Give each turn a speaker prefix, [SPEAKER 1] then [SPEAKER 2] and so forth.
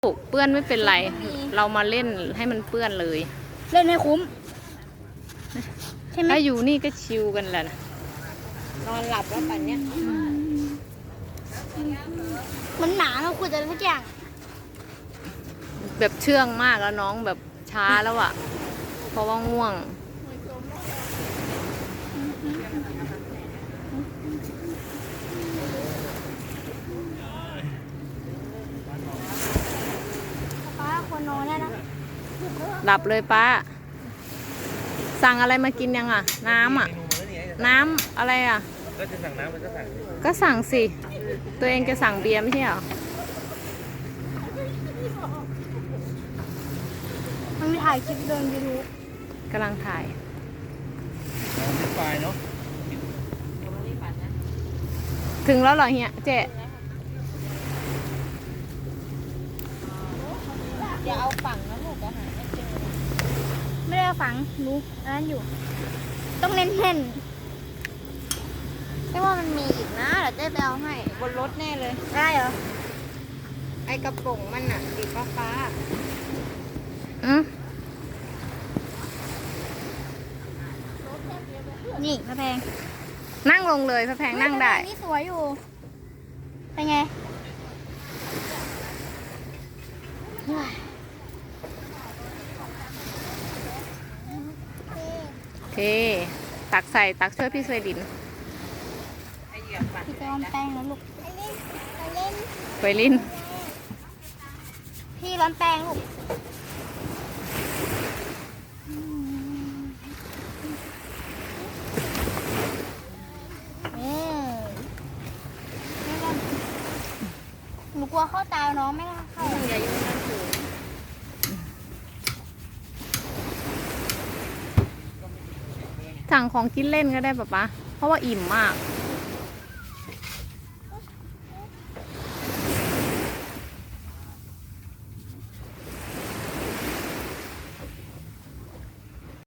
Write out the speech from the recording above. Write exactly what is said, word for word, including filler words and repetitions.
[SPEAKER 1] เปื้อนไม่เป็นไร เรามาเล่นให้มันเปื้อนเลย
[SPEAKER 2] เล่นให้คุ้มใช่ไหม
[SPEAKER 1] ถ้าอยู่นี่ก็ชิลกันแหละนะ
[SPEAKER 3] นอนหลับแล้วปันเนี้ย
[SPEAKER 2] มันหนาเราคุยแต่ทุกอย่าง
[SPEAKER 1] แบบเชื่องมากแล้วน้องแบบช้าแล้วอะเพราะว่าง่วง
[SPEAKER 2] ป้าควรนอนได้นะ
[SPEAKER 1] หลับเลยป้า สั่งอะไรมากินยังอะน้ำอะน้ำอะไรอะ
[SPEAKER 4] ก็จะสั่งน้ำมันก็สั่ง
[SPEAKER 1] ก็สั่งสิ ตัวเองจะสั่งเบียร์ไม่ใช่เหรอ
[SPEAKER 2] มันมีถ่ายคลิปเดินยูทูบ
[SPEAKER 1] กำลังถ่าย
[SPEAKER 4] น้ำเป็นไฟเนาะ
[SPEAKER 1] ถึงแล้วเหรอเฮียเจ๊
[SPEAKER 3] อย่าเอาฝั่งนะลูกอาหารไม่เจอ
[SPEAKER 2] ไม่ได้เอาฝังรู้อันนั้นอยู่ ต้องเน้นเน้น
[SPEAKER 3] ไม่ว่ามันมีอีกนะเดี๋ยวเจ๊ไปเอาให้บนรถแน่เลย
[SPEAKER 2] ได้เหรอ
[SPEAKER 3] ไอกระป๋องมันอ่ะสีฟ้าฟ้า
[SPEAKER 1] อืม
[SPEAKER 2] นี่พระแพง
[SPEAKER 1] นั่งลงเลยพระแพงนั่งได้
[SPEAKER 2] นี่สวยอยู่ เป็นไง
[SPEAKER 1] โอเค ตักใส่ตักช่วยพี่สวยดิน
[SPEAKER 2] พี่จะลองแป้งแล้วลูก
[SPEAKER 1] ไปลิน
[SPEAKER 2] พี่ร้อนแป้งลูกอืมไม่ร้อนหนูกลัวเข้าตาน้องไม่เข้า
[SPEAKER 3] อย่าอยู่นั่นถือ
[SPEAKER 1] สั่งของกินเล่นก็ได้ปะป๊าเพราะว่าอิ่มมาก